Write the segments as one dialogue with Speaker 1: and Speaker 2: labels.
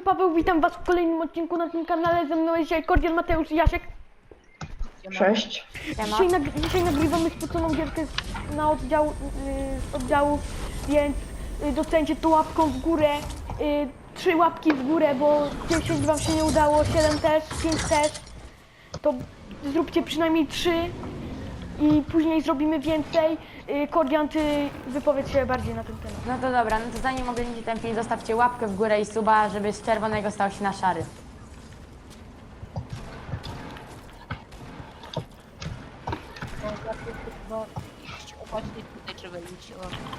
Speaker 1: Paweł, witam was w kolejnym odcinku na tym kanale. Ze mną jest dzisiaj Kordian, Mateusz i Jasiek.
Speaker 2: Cześć.
Speaker 1: Dzisiaj nagrywamy spłoconą gierkę z oddziałów, więc docencie to łapką w górę. 3 łapki w górę, bo 10 wam się nie udało, 7 też, 5 też. To zróbcie przynajmniej 3 i później zrobimy więcej. Kordian, ty wypowiedz się bardziej na ten temat.
Speaker 3: No to dobra, no to zanim oglądacie ten film, zostawcie łapkę w górę i suba, żeby z czerwonego stał się na szary.
Speaker 4: No, właśnie tutaj trzeba iść.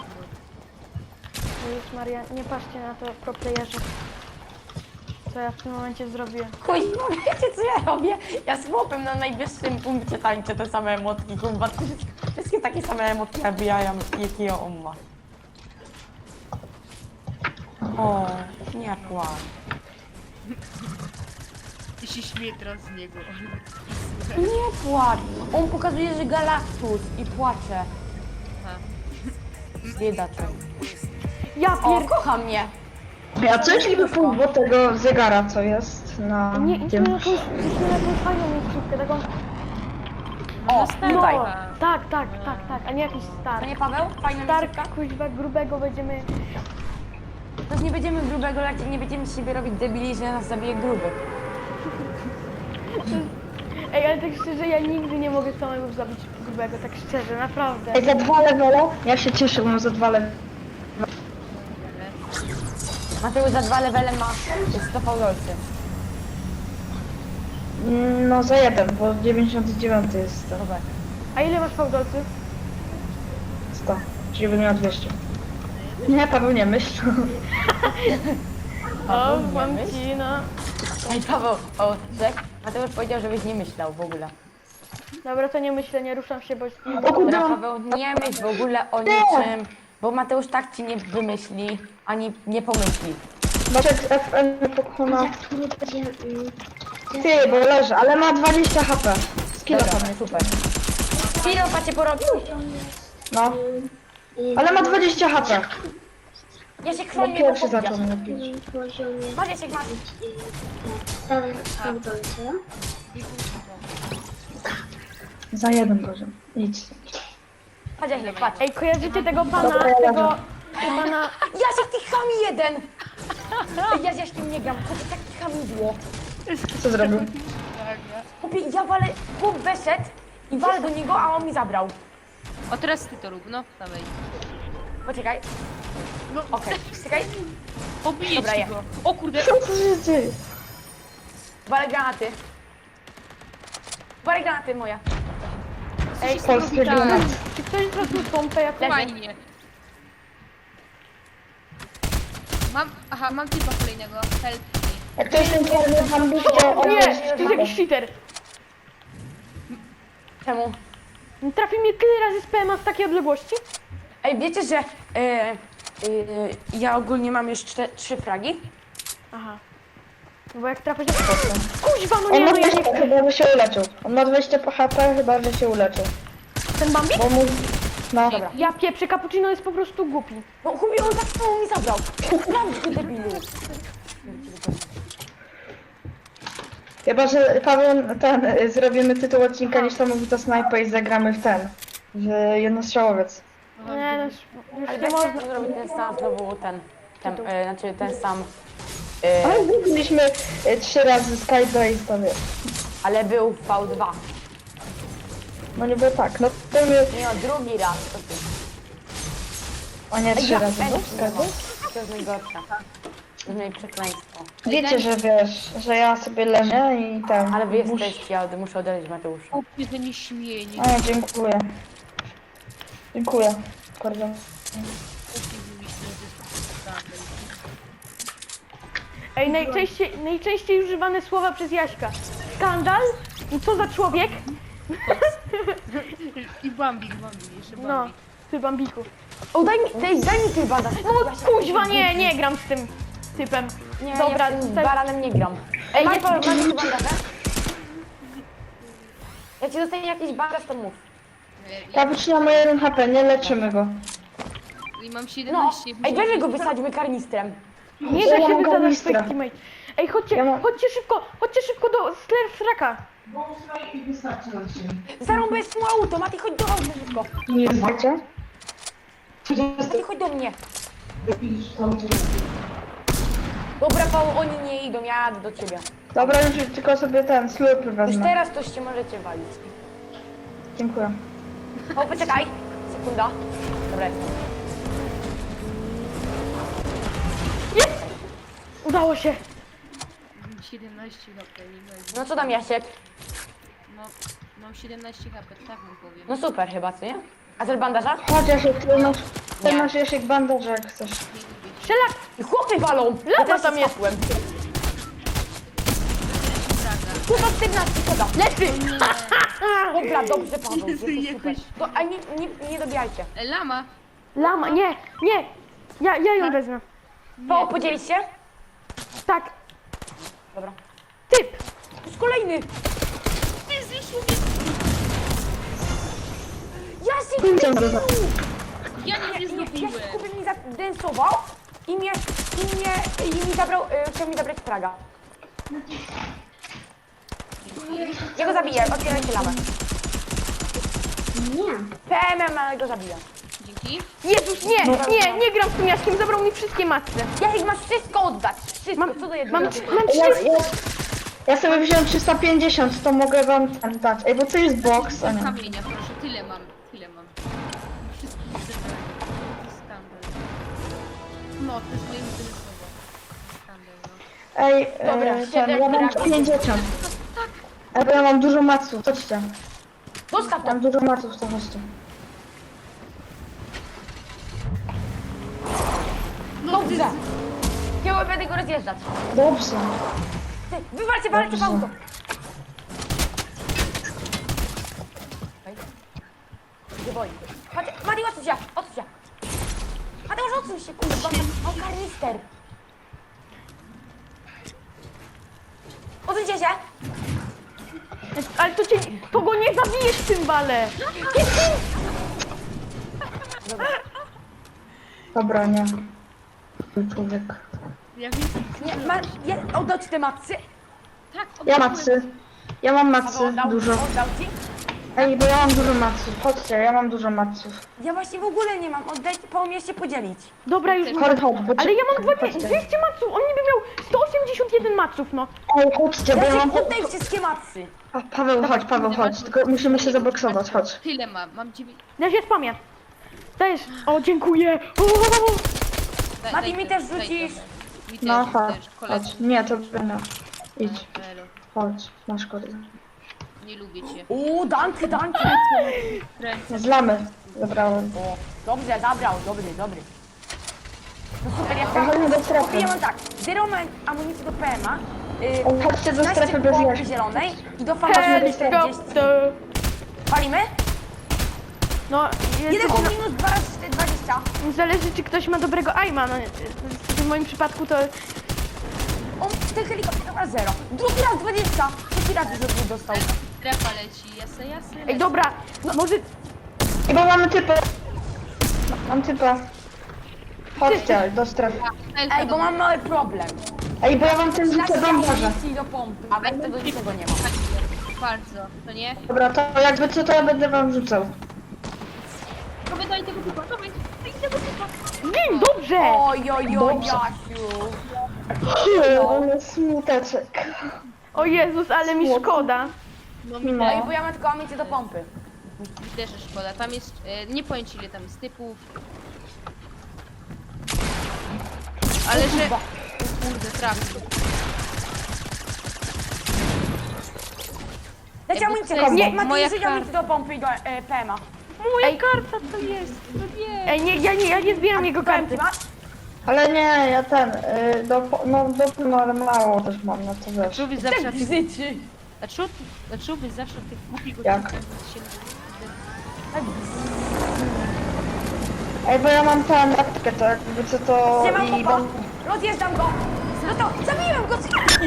Speaker 1: Jezus Maria, nie patrzcie na to pro playerze, co ja w tym momencie zrobiłem.
Speaker 3: Chuj, no wiecie co ja robię? Ja z chłopem na najwyższym punkcie tańczę te same emotki, kurwa. Wszystkie takie same emotki nabijają, jakie on ma. O, nie kłam.
Speaker 4: I się śmieje teraz z niego.
Speaker 3: Nie płacz. On pokazuje, że Galactus i płacze.
Speaker 4: Aha.
Speaker 1: Ja
Speaker 3: Biedaczek.
Speaker 1: pier...
Speaker 3: O, kocha mnie.
Speaker 2: A co jeśli by pół było tego zegara, co jest na
Speaker 1: Nie, idźmy
Speaker 2: tym?
Speaker 1: na jakąś fajną miejscówkę, taką...
Speaker 3: O, tutaj.
Speaker 1: No, tak, a nie jakiś
Speaker 3: To
Speaker 1: star.
Speaker 3: nie Paweł? Fajna
Speaker 1: Star,
Speaker 3: miejscówka?
Speaker 1: kuźwa, grubego będziemy...
Speaker 3: To nie będziemy grubego, nie będziemy z siebie robić debili, że nas zabije gruby.
Speaker 1: Ej, ale tak szczerze, ja nigdy nie mogę samego zabić grubego, tak szczerze, naprawdę.
Speaker 2: Ej, za 2 levele? Ja się cieszę, bo mam za 2 levele.
Speaker 3: Mateusz za 2 levele ma 100 fałdolcy.
Speaker 2: No za 1, bo 99 jest to.
Speaker 3: Dobra.
Speaker 1: A ile masz fałdolców?
Speaker 2: 100, czyli bym miał 200. Nie, Paweł, nie myśl.
Speaker 1: O,
Speaker 3: nie
Speaker 1: mam
Speaker 3: myśl?
Speaker 1: ci, no.
Speaker 3: Ej Paweł, o, czek. Mateusz powiedział, żebyś nie myślał w ogóle.
Speaker 1: Dobra, to nie myślę, nie ruszam się, bo...
Speaker 2: O kurde,
Speaker 3: Dobra,
Speaker 2: mam...
Speaker 3: Paweł, nie myśl w ogóle o niczym, bo Mateusz tak ci nie wymyśli, ani nie pomyśli.
Speaker 2: Maciek FN pokona. Ty, bo leży, ale ma 20 HP. Skilla
Speaker 3: Dobra,
Speaker 2: tam jest.
Speaker 3: super. Piropa cię porobił?
Speaker 2: No. Ale ma 20 HP.
Speaker 3: Ja się
Speaker 2: Bo
Speaker 3: chroń mnie,
Speaker 2: pierwszy
Speaker 3: bo
Speaker 2: zaczął mnie bić.
Speaker 3: Masz, Jasiek, masz.
Speaker 2: Za 1 poziom. Idź.
Speaker 3: Chodź, Jasiek, patrz.
Speaker 1: Ej, kojarzycie tego pana,
Speaker 2: Dobra, ja
Speaker 1: tego...
Speaker 2: leżę.
Speaker 1: pana...
Speaker 3: Jasiek, ty chami jeden! Ej, ja z Jaśkiem nie gram, chłopie, takie hamidło.
Speaker 2: Co zrobił?
Speaker 3: Chłopie, ja walę, chłop wyszedł i walę do niego, a on mi zabrał.
Speaker 4: O, teraz ty to rób, no, dawaj.
Speaker 3: Poczekaj,
Speaker 4: No,
Speaker 3: okej, czekaj.
Speaker 4: pobiję
Speaker 3: Dobra,
Speaker 4: ci
Speaker 3: ja.
Speaker 4: go. O kurde,
Speaker 2: Co się dzieje?
Speaker 3: Walę granaty. Walę granaty moja.
Speaker 4: ej,
Speaker 2: Polskie
Speaker 4: tak,
Speaker 2: granaty.
Speaker 1: Czy ktoś zrobił pompę jakąś?
Speaker 4: fajnie. Mam typa kolejnego, help me.
Speaker 2: Jak to jest ten czarny bambik, to on
Speaker 1: Nie,
Speaker 2: jest...
Speaker 1: to jest jakiś cheater.
Speaker 3: Czemu?
Speaker 1: Trafi mnie tyle razy z PMA z takiej odległości?
Speaker 3: Ej, wiecie, że ja ogólnie mam już 3 fragi?
Speaker 1: Aha. No bo jak trafię... Kuźwa, no
Speaker 2: On
Speaker 1: nie,
Speaker 2: ma
Speaker 1: no ja nie
Speaker 2: 20,
Speaker 1: chcę.
Speaker 2: chyba że się uleczył. On ma 20 po HP, chyba że się uleczył.
Speaker 1: Ten Bambik?
Speaker 2: Bo mu... No.
Speaker 3: Dobra.
Speaker 1: Ja pieprzę, cappuccino jest po prostu głupi.
Speaker 3: No chłopie, on tak samo mi zabrał. Sprawdź go, debilu.
Speaker 2: Chyba, że Paweł, zrobimy tytuł odcinka Niesamowita Snajpa i zagramy w ten. W jednostrzałowiec.
Speaker 1: Nie, no już
Speaker 3: Ale
Speaker 1: nie
Speaker 3: nie
Speaker 1: można.
Speaker 3: można zrobić ten sam, znowu znaczy ten sam,
Speaker 2: Ale zrobiliśmy 3 razy Skybase, to wiesz.
Speaker 3: ale był V2.
Speaker 2: No nie było tak, no to my...
Speaker 3: Nie no, drugi raz, to ty.
Speaker 2: O nie, 3 razy był Skybase?
Speaker 3: To jest najgorsze. To jest moje przekleństwo.
Speaker 2: Wiecie, że wiesz, że ja sobie leżę i tam...
Speaker 3: Ale wy jesteście, ja muszę odejść Mateusza.
Speaker 4: O, mnie to nie śmieje, nie
Speaker 2: A, dziękuję. Dziękuję. Bardzo.
Speaker 1: Ej, najczęściej używane słowa przez Jaśka. Skandal? I co za człowiek?
Speaker 4: I Bambik, jeszcze
Speaker 1: No,
Speaker 4: Bambik.
Speaker 1: ty Bambiku.
Speaker 3: O, daj mi ty bandaż.
Speaker 1: No kuźwa, nie gram z tym typem.
Speaker 3: Nie,
Speaker 1: Dobra,
Speaker 3: ja z tym
Speaker 1: tak.
Speaker 3: baranem nie gram. Ej, masz tu bandaże? Jak ci dostanie jakiś bandaż, to mów.
Speaker 2: Ja wytrzymam 1 HP, nie leczymy go.
Speaker 4: I mam
Speaker 3: No,
Speaker 4: 17.
Speaker 3: ej, weźmy go wysadźmy karnistrem.
Speaker 1: Nie da
Speaker 2: Ja
Speaker 1: się
Speaker 2: mam
Speaker 1: wysadzać
Speaker 2: karnistra.
Speaker 1: swoich teammate. Ej, chodźcie,
Speaker 2: Ja mam-
Speaker 1: chodźcie szybko do straka.
Speaker 3: Zarąbę swój auto, Mati, chodź do auta szybko.
Speaker 2: Nie wiecie?
Speaker 3: Mati, chodź do mnie. Dobra, Paweł, oni nie idą, ja jadę do ciebie.
Speaker 2: Dobra, już tylko sobie ten slurp
Speaker 3: Już
Speaker 2: wezmę.
Speaker 3: teraz to się możecie walić.
Speaker 2: Dziękuję.
Speaker 3: O, poczekaj. Sekunda. Dobra, jestem.
Speaker 1: Udało się.
Speaker 4: 17 HP, nie będzie.
Speaker 3: No co tam, Jasiek?
Speaker 4: No, mam 17 HP, tak mu powiem.
Speaker 3: No super chyba, co nie? A też bandaża?
Speaker 2: Chodź Jasiek, ty
Speaker 3: Nie.
Speaker 2: masz Jasiek bandaż jak chcesz.
Speaker 1: Strzelak!
Speaker 3: I chłopy walą!
Speaker 1: Lata tam jest.
Speaker 3: Kurwa 14, szkoda.
Speaker 1: Leży!
Speaker 3: Dobra, dobrze, Paweł, jesteś super.
Speaker 4: Jakoś-
Speaker 3: To, a nie dobijajcie.
Speaker 4: Lama!
Speaker 1: Lama, nie. Ja ją wezmę.
Speaker 3: Paweł, podzielić się?
Speaker 1: Tak,
Speaker 3: Dobra.
Speaker 1: typ.
Speaker 3: To jest kolejny.
Speaker 4: Ty zniszczył mnie!
Speaker 3: Jasiek,
Speaker 4: Ja nie zdobiłem!
Speaker 3: Jasiek Kubek mi zadensował i mi zabrał, chciał mi zabrać fraga. Ja go zabiję, otwierajcie lamę. PMM, ale go zabiję.
Speaker 4: Dzięki.
Speaker 1: Jezus, nie gram z tym Jaśkiem, zabrał mi wszystkie matce.
Speaker 3: Jasiek, masz wszystko oddać. Wszystko, co do jednego.
Speaker 1: Mam
Speaker 2: Ja,
Speaker 1: 300.
Speaker 2: ja sobie wziąłem 350, to mogę wam ten dać. Ej, bo to jest box, a nie.
Speaker 4: Kamienia, proszę, tyle mam. Wszystko zebrałem. To jest skandal. No, to jest moje jedyne słowo. Skandal, no.
Speaker 2: Ej,
Speaker 3: Dobra,
Speaker 2: ten, ja mam 50. Ej, bo ja mam dużo maców, chodźcie.
Speaker 3: Dostaw to.
Speaker 2: Mam dużo maców, to chodźcie.
Speaker 3: Dobrze. Ja będę go rozjeżdżać.
Speaker 2: Dobrze.
Speaker 3: Ty, wywalcie w
Speaker 2: Dobrze.
Speaker 3: auto. Nie boi. Mati, odsuń się, odsuń się. Mateusz, odsuń się, kurwa. O, karnister. Odsuńcie się.
Speaker 1: Ale to go nie zabijesz w tym wale.
Speaker 2: Dobra, nie. Człowiek.
Speaker 4: Ja wiem,
Speaker 3: Oddał ci te matcy?
Speaker 4: tak,
Speaker 2: Ja
Speaker 4: oddałem.
Speaker 2: macy. Ja mam
Speaker 3: Paweł,
Speaker 2: macy,
Speaker 3: oddał,
Speaker 2: dużo.
Speaker 3: oddał ci?
Speaker 2: Ej, bo ja mam dużo maców. Chodźcie, ja mam dużo maców.
Speaker 3: Ja właśnie w ogóle nie mam. Oddajcie, pomóż się podzielić.
Speaker 1: Dobra, już mam.
Speaker 2: Chodź, chodź, bo
Speaker 1: Ale ja mam
Speaker 2: chodźcie.
Speaker 1: 200 maców, on niby miał 181 maców, no.
Speaker 2: Ej, chodźcie, bo ja mam...
Speaker 3: Jasiek, oddaj wszystkie matcy.
Speaker 2: A, Paweł, chodź. Tylko musimy się zaboksować, chodź.
Speaker 4: Tyle mam 9.
Speaker 1: Ja się spamię. Dajesz. O, dziękuję.
Speaker 3: Mati, mi też rzucisz.
Speaker 4: Mi też,
Speaker 2: No,
Speaker 4: mi
Speaker 2: chodź,
Speaker 4: też, koledzy.
Speaker 2: chodź. Nie, to będę. Idź,
Speaker 4: Elo,
Speaker 2: chodź, masz kody.
Speaker 4: nie lubię cię.
Speaker 3: Danki.
Speaker 2: Zlamy zabrałem.
Speaker 3: O, dobrze, zabrał, dobry. No super, ja
Speaker 2: Chodźmy do strefy.
Speaker 3: ja mam tak, 0 amunicji do PMA,
Speaker 2: Chodźcie do strefy bez
Speaker 3: pompy
Speaker 2: jaśki.
Speaker 3: zielonej i do fama 40.
Speaker 1: Helikopter.
Speaker 3: Palimy?
Speaker 1: No,
Speaker 3: Jeden
Speaker 1: jest,
Speaker 3: po minus 2 razy 20.
Speaker 1: zależy czy ktoś ma dobrego aima, no w moim przypadku to...
Speaker 3: On ten helikopter dobra 0. Drugi raz 20. Trzeci raz już od dostał.
Speaker 4: Strefa leci, jasne.
Speaker 1: Ej, dobra, może...
Speaker 2: I bo mamy typa. Mam typa. Chodźcie do strefy.
Speaker 3: Ej, bo mam mały problem.
Speaker 2: Ej, bo ja mam ten rzucę bandaże.
Speaker 3: amunicji do pompy, a bez tego niczego nie ma.
Speaker 4: Bardzo, to nie?
Speaker 2: Dobra, to jakby co, to ja będę wam rzucał.
Speaker 4: Dawaj, daj tego typa, dawaj tego typa.
Speaker 1: Dzień, dobrze!
Speaker 3: Oj,
Speaker 2: Dobrze.
Speaker 3: Jasiu.
Speaker 2: Ale smuteczek.
Speaker 1: O Jezus, ale mi szkoda.
Speaker 4: No
Speaker 3: Ej,
Speaker 4: mi
Speaker 2: No.
Speaker 3: bo ja mam tylko amunicję do pompy.
Speaker 4: też szkoda, tam jest, nie powiem ci ile tam jest typów. Ale że... O kurde, trafił.
Speaker 3: Dajcie amunicję,
Speaker 4: to jest
Speaker 3: nie,
Speaker 4: moja
Speaker 3: Mati, rzuć
Speaker 4: karta.
Speaker 3: amunicję do pompy i do PMA.
Speaker 1: Moja karta to jest. Ej, nie, ja nie zbieram jego karty.
Speaker 3: Masz?
Speaker 2: Ale nie, ja ten, no ale mało też mam, no to wiesz.
Speaker 4: Dlaczego wy zawsze na tych...
Speaker 3: Bzyczy.
Speaker 4: Dlaczego wy zawsze na tych głupich
Speaker 2: Jak?
Speaker 4: odcinkach się...
Speaker 2: Ej, bo ja mam tę apteczkę, to jakby co to
Speaker 3: Nie mam
Speaker 2: i
Speaker 3: popa.
Speaker 2: mam...
Speaker 3: Rozjeżdżam go. No to zabiłem go.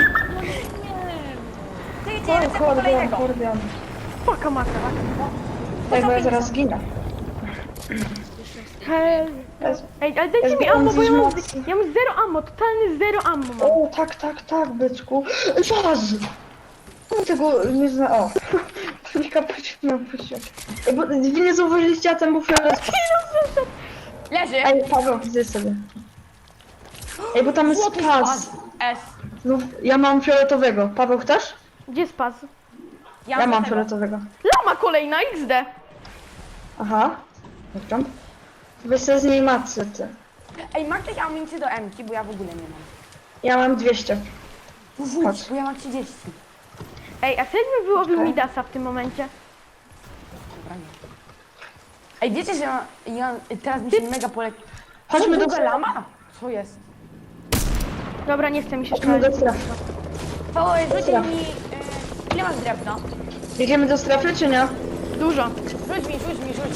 Speaker 3: Ty, lecę po
Speaker 2: Akordeon,
Speaker 3: kolejnego.
Speaker 2: akordeon.
Speaker 1: Paka maka.
Speaker 2: Ej, bo ja zaraz zginę.
Speaker 4: Jeszcze
Speaker 1: Hej, ej, ale dajcie
Speaker 2: Jest
Speaker 1: mi ammo, bo ja mam,
Speaker 2: mocny.
Speaker 1: ja mam zero ammo, totalny zero ammo mam.
Speaker 2: O, tak, byczku. Zaraz! Tego nie zna... O. Nie kapuściłem. Ej, bo wy nie zauważyliście, a ten był fiolet.
Speaker 3: Leży!
Speaker 2: Ej, Paweł, widzę sobie. Ej, bo tam jest
Speaker 3: Złoty
Speaker 2: pas.
Speaker 3: spas. S.
Speaker 2: No, ja mam fioletowego. Paweł, chcesz?
Speaker 1: Gdzie spas?
Speaker 2: Ja mam
Speaker 3: tego.
Speaker 2: fioletowego.
Speaker 1: Lama kolejna, XD.
Speaker 2: Aha. Dobra. Weź sobie z niej matce, ty.
Speaker 3: Ej, ma ktoś amunicję do M-ki, bo ja w ogóle nie mam.
Speaker 2: Ja mam 200.
Speaker 3: Rzuć,
Speaker 2: Chodź.
Speaker 3: bo ja mam 30.
Speaker 1: Ej, a wtedy bym wyłowił
Speaker 2: Okej.
Speaker 1: Midasa w tym momencie.
Speaker 3: Dobra, nie. Ej, wiecie, że ja teraz mi się mega poleci.
Speaker 2: Chodźmy do
Speaker 3: Druga lama? Co jest?
Speaker 1: Dobra, nie chcę mi się
Speaker 2: Chodźmy
Speaker 1: strzelać.
Speaker 2: do strefy.
Speaker 3: Paweł, rzuć
Speaker 2: Dobra.
Speaker 3: mi... ile masz drewna?
Speaker 2: Idziemy do strefy, czy nie?
Speaker 1: Dużo.
Speaker 3: Rzuć mi.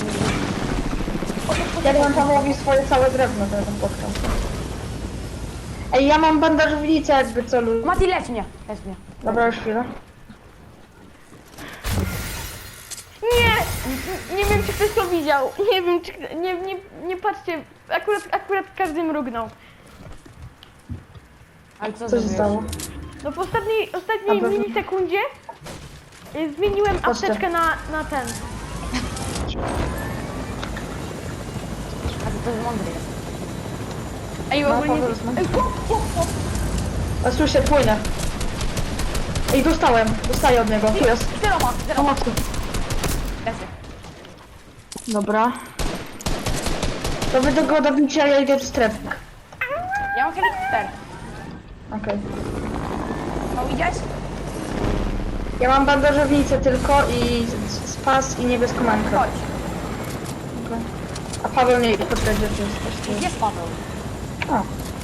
Speaker 2: Ja dam Pawłowi swoje całe drewno, to ja tam potkam. Ej, ja mam bandażownicę jakby co lub...
Speaker 3: Mati, leć mnie.
Speaker 2: Dobra, już chwilę.
Speaker 1: Nie! Nie wiem, czy ktoś to widział. Nie wiem, czy... Nie patrzcie. Akurat każdy mrugnął.
Speaker 3: Ale co
Speaker 2: Co się
Speaker 3: zrobiłeś?
Speaker 2: stało?
Speaker 1: No po ostatniej
Speaker 2: Dobra.
Speaker 1: milisekundzie zmieniłem
Speaker 2: Patrzcie.
Speaker 1: apteczkę na ten.
Speaker 3: A to jest mądry jest.
Speaker 1: Ej,
Speaker 2: No,
Speaker 1: ogólnie...
Speaker 2: Paweł, no.
Speaker 1: Ej, chłop.
Speaker 2: A słyszę, płynę. Ej, dostaję od niego, tu jest.
Speaker 3: Zero ma.
Speaker 2: Pomocy.
Speaker 3: Leży.
Speaker 2: Dobra. To wy do go dobicie, a ja idę do strefy.
Speaker 3: Ja mam helikopter.
Speaker 2: Okej.
Speaker 3: No idziesz?
Speaker 2: Ja mam bandażownicę tylko i spas i niebieską mankę.
Speaker 3: Chodź.
Speaker 2: Okej. A Paweł nie podpowiedzi, czy jest coś.
Speaker 3: Gdzie jest Paweł?
Speaker 2: O,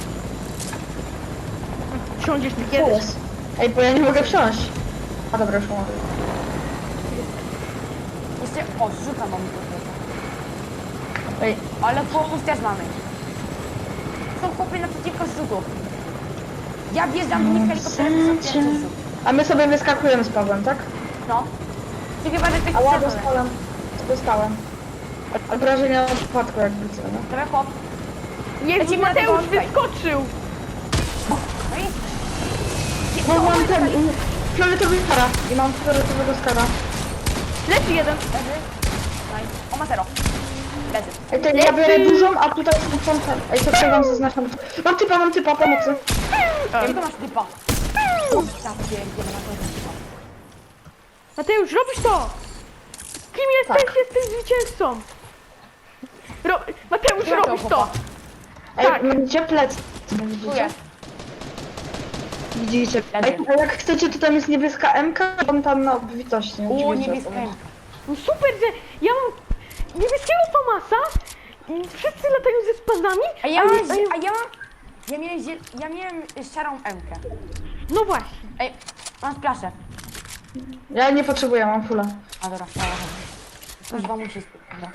Speaker 1: Wsiądziesz mi
Speaker 2: co
Speaker 1: kiedyś.
Speaker 2: jest? Ej, bo ja nie mogę wsiąść. A dobra, już mogę.
Speaker 3: Jeszcze... O, rzucam mam to.
Speaker 2: Ej,
Speaker 3: Ale chłopów też mamy. Są chłopy naprzeciwko zrzutów. Ja wjeżdżam do nich helikopterem i są pierwszy zrzut.
Speaker 2: a my sobie wyskakujemy z Pawłem, tak?
Speaker 3: No. Ty chyba, że ktoś
Speaker 2: Ała,
Speaker 3: strzelony.
Speaker 2: dostałem. Obrażenia od przypadku jakby co, no.
Speaker 3: Dobra, chłop.
Speaker 1: Jezu,
Speaker 3: Lecimy na
Speaker 1: Mateusz
Speaker 3: tego tutaj.
Speaker 1: wyskoczył.
Speaker 3: No i...
Speaker 2: No mam ten, fioletowy skara. I mam fioletowego skara.
Speaker 1: Leży jeden.
Speaker 3: Leży. Nice. O, ma zero. Leży.
Speaker 2: Ej, to ja biorę dużą, a tutaj są ten. Ej, to co wam zaznaczam. Mam typa, pomocy.
Speaker 3: Jakiego masz typa? Ja pierdzielę, na to typa.
Speaker 1: Mateusz, robisz to! Kim jesteś?
Speaker 2: Tak.
Speaker 1: Jesteś zwycięzcą! Mateusz,
Speaker 3: Ja to
Speaker 1: robisz to!
Speaker 3: chłopa.
Speaker 2: Ej,
Speaker 1: Tak.
Speaker 2: widzicie plec?
Speaker 3: Tu
Speaker 2: Widzicie?
Speaker 3: jest.
Speaker 2: Widzicie?
Speaker 3: Leży.
Speaker 2: Ej, a jak chcecie, to tam jest niebieska MK, on tam na obfitości. nie?
Speaker 3: O,
Speaker 2: Widzicie?
Speaker 3: niebieska M.
Speaker 1: No super, że ja mam niebieskiego Famasa i wszyscy latają ze spazami,
Speaker 3: A ja
Speaker 1: a
Speaker 3: mam...
Speaker 1: nie-
Speaker 3: A ja mam... Ja miałem szarą M-kę.
Speaker 1: No właśnie.
Speaker 3: Ej, mam splaszę.
Speaker 2: Ja nie potrzebuję, mam fulla.
Speaker 3: A dobra, dobra. Kuźwa musi spać. Dobra.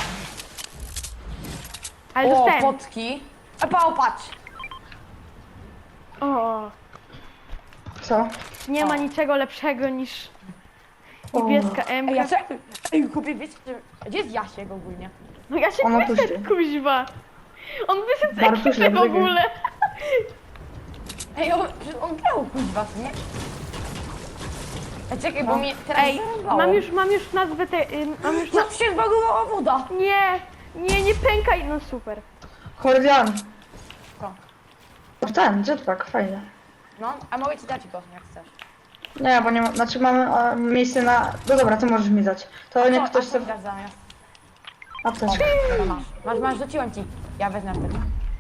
Speaker 1: Ale
Speaker 3: O,
Speaker 1: dostałem.
Speaker 3: potki. Epa, patrz.
Speaker 1: O,
Speaker 2: Co?
Speaker 1: nie ma
Speaker 3: O.
Speaker 1: niczego lepszego niż niebieska M.
Speaker 3: Ej, ja co? Ej, kupię, wiecie, gdzie jest Jasiek ogólnie?
Speaker 1: No ja się
Speaker 2: Ona tu
Speaker 1: wyszedł,
Speaker 2: się-
Speaker 1: kuźwa. On wyszedł z
Speaker 2: Bartuś
Speaker 1: ekipy w
Speaker 2: Lebrygę.
Speaker 1: ogóle.
Speaker 3: Ej, on grał, kuźwa, co nie? Ej, czekaj, bo mnie teraz
Speaker 1: Ej,
Speaker 3: zarąbało.
Speaker 1: mam już nazwę tej... mam już
Speaker 3: No, się zbagowała woda.
Speaker 1: Nie pękaj. No super.
Speaker 2: Kordian.
Speaker 3: Co?
Speaker 2: Ten, jetpack, fajnie.
Speaker 3: No, a mogę ci dać go, jak chcesz.
Speaker 2: Nie, bo nie ma, znaczy mamy miejsce na... No dobra, to możesz mi dać. To nie
Speaker 3: Co,
Speaker 2: ktoś
Speaker 3: a co
Speaker 2: sobie...
Speaker 3: mi dasz zamiast?
Speaker 2: Apteczkę.
Speaker 3: To masz, rzuciłem ci. Ja wezmę apteczkę.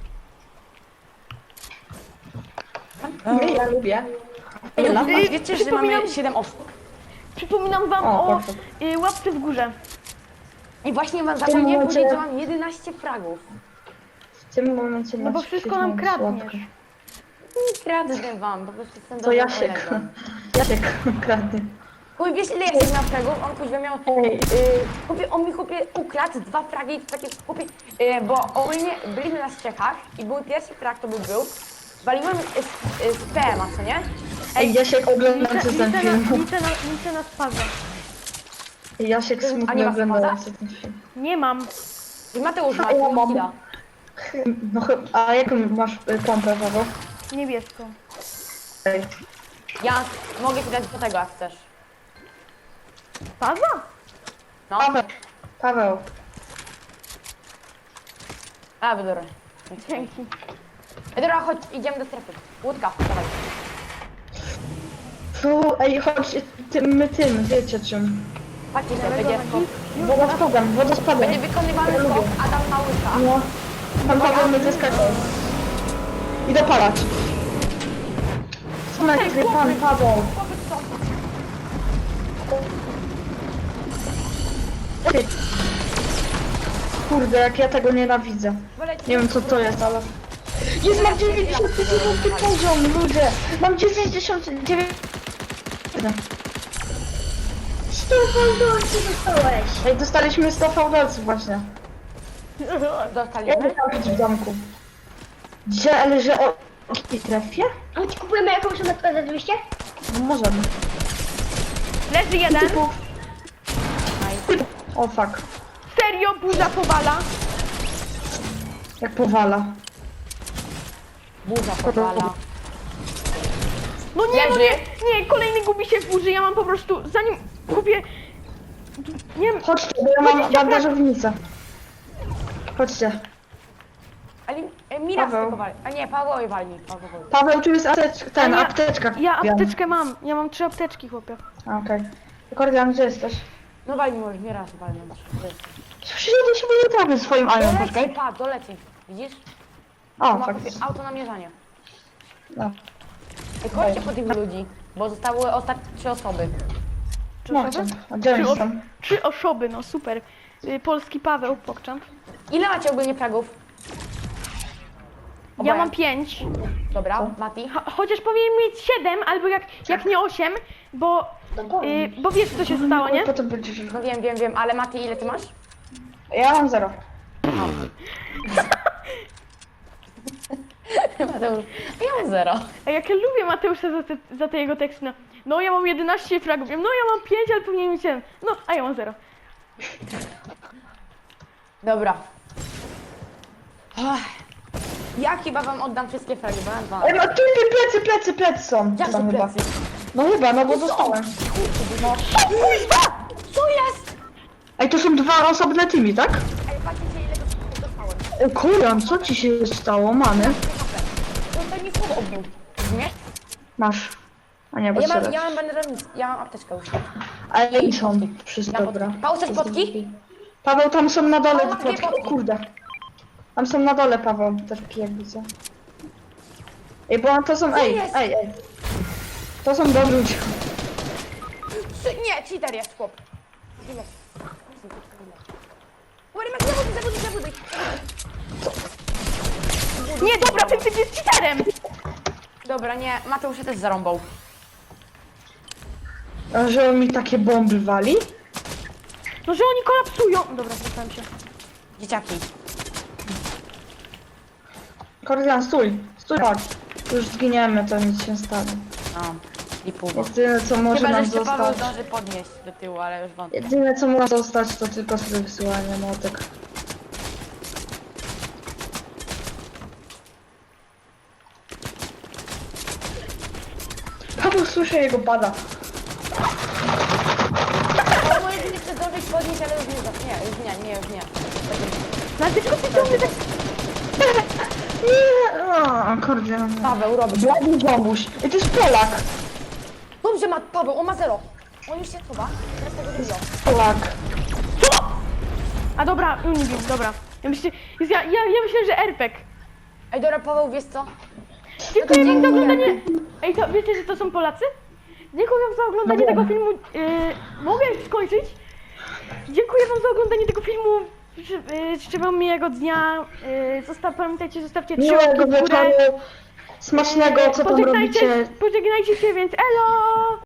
Speaker 2: Nie, ja lubię.
Speaker 3: Ej,
Speaker 2: Ela?
Speaker 3: wiecie, że mamy 7 osób.
Speaker 1: Przypominam wam
Speaker 2: O,
Speaker 1: o
Speaker 2: perfekt.
Speaker 1: łapce w górze.
Speaker 3: I właśnie wam
Speaker 2: tym
Speaker 3: zapomniałem
Speaker 2: momencie-
Speaker 3: powiedzieć, że mam 11 fragów.
Speaker 2: W tym momencie
Speaker 1: No bo
Speaker 2: masz
Speaker 1: wszystko nam
Speaker 2: świetną
Speaker 1: kradniesz.
Speaker 2: słodką.
Speaker 3: Nie kradnę wam, po prostu jestem
Speaker 2: To
Speaker 3: dobrym
Speaker 2: Jasiek.
Speaker 3: kolegą.
Speaker 2: Jasiek kradnie.
Speaker 3: Chuj, wiesz ile Jasiek miał fragów? On kuźwa miał...
Speaker 2: Ej.
Speaker 3: On mi chłopie ukradł 2 fragi, takie chłopie... bo ogólnie byliśmy na Czechach i był pierwszy frag, to był. Waliłem z PM-a, co nie?
Speaker 2: Ej, Jasiek oglądający ten film.
Speaker 1: Liczę na spaza.
Speaker 2: Jasiek
Speaker 3: A nie
Speaker 2: smutny
Speaker 3: ma
Speaker 2: oglądający ten film.
Speaker 1: Nie mam.
Speaker 3: I Mateusz ma
Speaker 2: Ja mam.
Speaker 3: killa.
Speaker 2: No chyba, a jaką masz pompę, Paweł?
Speaker 1: Niebieską.
Speaker 2: Ej.
Speaker 3: Ja mogę ci dać do tego, jak chcesz.
Speaker 1: Paza?
Speaker 3: No,
Speaker 2: Paweł.
Speaker 3: a dobra.
Speaker 1: Dzięki.
Speaker 3: Dobra, chodź, idziemy do strefy. Łódka, dawaj.
Speaker 2: Ej, chodź, tym, wiecie czym.
Speaker 3: Patrzcie, to będzie skok.
Speaker 2: Wodospadem.
Speaker 3: Będzie wykonywany skok, Adam na łyka.
Speaker 2: No. Pan Paweł mnie zaskoczył. Idę palać. Co na pan Paweł?
Speaker 3: Chłopy są.
Speaker 2: Ty. Kurde, jak ja tego nienawidzę.
Speaker 3: Wolecie-
Speaker 2: Nie wiem co to jest, ale... Jest, mam 99 poziom, ludzie! Mam 99...
Speaker 5: 100 fałdolców dostałeś.
Speaker 2: Ej, dostaliśmy 100 fałdolców właśnie. Jak
Speaker 3: Dostaliśmy.
Speaker 2: tam być w domku? Gdzie, ale że o... jakiej trefie?
Speaker 5: A ci kupujemy jakąś metkę za 200?
Speaker 2: No możemy.
Speaker 1: Leży jeden.
Speaker 2: O fuck.
Speaker 1: Serio, burza powala.
Speaker 2: Jak powala.
Speaker 3: Burza powala.
Speaker 1: No nie, no
Speaker 3: Leży.
Speaker 1: nie, kolejny gubi się w burzy. Ja mam po prostu, zanim kupię... Nie wiem,
Speaker 2: Chodźcie, bo ja mam bandażownicę. Chodźcie.
Speaker 3: Ale Mira
Speaker 2: Paweł.
Speaker 3: tylko wali. A nie, Paweł walni. Paweł.
Speaker 2: Paweł, tu jest apteczka,
Speaker 1: ja-
Speaker 2: apteczka.
Speaker 1: ja
Speaker 2: kupiłam.
Speaker 1: apteczkę mam. Ja mam 3 apteczki, chłopie.
Speaker 2: A, okej. Kordian, gdzie jesteś?
Speaker 3: No walni może, nie raz walni.
Speaker 2: Przyjedę się nie trafię swoim Iron,
Speaker 3: Doleci,
Speaker 2: poczekaj.
Speaker 3: pa, doleci. Widzisz?
Speaker 2: O,
Speaker 3: Ma
Speaker 2: fakt.
Speaker 3: auto namierzanie.
Speaker 2: No.
Speaker 3: Ej, chodźcie po tych ludzi, bo zostały ostatnie 3 osoby.
Speaker 2: No, chcę. A gdzie oni są?
Speaker 1: 3 osoby, no super. Polski Paweł, pokczam.
Speaker 3: Ile macie ogólnie fragów?
Speaker 1: Ja
Speaker 3: Oboje.
Speaker 1: mam 5.
Speaker 3: Dobra, Mati.
Speaker 1: Chociaż powinien mieć 7, albo jak nie 8, bo wiesz co się stało, nie?
Speaker 2: Potem będziesz...
Speaker 3: No wiem, ale Mati, ile ty masz?
Speaker 2: Ja mam 0.
Speaker 3: Mateusz, ja mam 0.
Speaker 1: A jak ja lubię Mateusza za te jego teksty, no ja mam 11 fragów, no ja mam 5, ale powinien mieć 7. No, a ja mam 0.
Speaker 3: Dobra. Ach. Ja chyba wam oddam wszystkie fragi, bo mam 2.
Speaker 2: Ej, no tu plecy są.
Speaker 3: Jak
Speaker 2: Tam
Speaker 3: to
Speaker 2: chyba.
Speaker 3: plecy?
Speaker 2: No chyba, no bo dostałem.
Speaker 3: No. Co jest?
Speaker 2: Ej, to są 2 osobne teamy, tak?
Speaker 3: Ej, patrzcie ile dostałem.
Speaker 2: Ej, Kurian, co ci się stało, mamy?
Speaker 3: No to mi słowo obił. Nie?
Speaker 2: Masz. A nie, bo
Speaker 3: Ja
Speaker 2: strzelać.
Speaker 3: mam banderownicę, ja mam apteczkę już.
Speaker 2: Ale i są wszyscy,
Speaker 3: Ja
Speaker 2: dobra.
Speaker 3: Paweł, chcesz potki?
Speaker 2: Paweł, tam są na dole
Speaker 3: Paweł,
Speaker 2: te
Speaker 3: dwie
Speaker 2: plotki.
Speaker 3: potki.
Speaker 2: O kurde. Tam są na dole, Paweł, te plotki, jak widzę. Ej, bo to są... Ej,
Speaker 3: jest?
Speaker 2: ej. To są dobrzy ludzie.
Speaker 3: Nie, cheater jest chłop. Ile? Zabuduj.
Speaker 1: Nie, dobra, ten typ jest cheaterem!
Speaker 3: Dobra, nie, Mateusz się też zarąbał.
Speaker 2: A że on mi takie bomby wali?
Speaker 1: No, że oni kolapsują. Dobra, zwracałem się.
Speaker 3: Dzieciaki.
Speaker 2: Kordian, stój. Stój, chodź. Już zginiemy, to nic się nie stanie.
Speaker 3: A, i pół.
Speaker 2: Jedyne co może
Speaker 3: Chyba, że
Speaker 2: nam
Speaker 3: jeszcze Paweł
Speaker 2: zostać...
Speaker 3: zdąży podnieść do tyłu, ale już wątpię.
Speaker 2: Jedyne co może zostać to tylko sobie wysyłanie motek. Paweł, słyszę jego pada.
Speaker 3: Ale moje dni chce zdążyć podnieść, ale już nie zdąży. Nie, już nie.
Speaker 1: No, ale tylko ty ciągle tak...
Speaker 2: Nie, o, Kordian.
Speaker 3: Paweł robi.
Speaker 2: Blady zombuś. I to jest Polak.
Speaker 3: Dobrze, Paweł, on ma 0. On już się chowa. Teraz tego drugiego.
Speaker 2: Polak.
Speaker 1: A dobra, Unibim, dobra. Ja myślę, że RPG.
Speaker 3: Ej, dobra, Paweł, wiesz co?
Speaker 1: Dziękuję wam za oglądanie... Ej, to wiecie, że to są Polacy? Dziękuję wam za oglądanie
Speaker 2: No
Speaker 1: tego
Speaker 2: wiem.
Speaker 1: filmu. Mogę już skończyć? Dziękuję wam za oglądanie tego filmu. Życzę wam miłego dnia. Pamiętajcie, zostawcie 3 łapki
Speaker 2: Miłego
Speaker 1: w górę.
Speaker 2: wieczoru. Smacznego, co tam robicie.
Speaker 1: Pożegnajcie się, więc elo!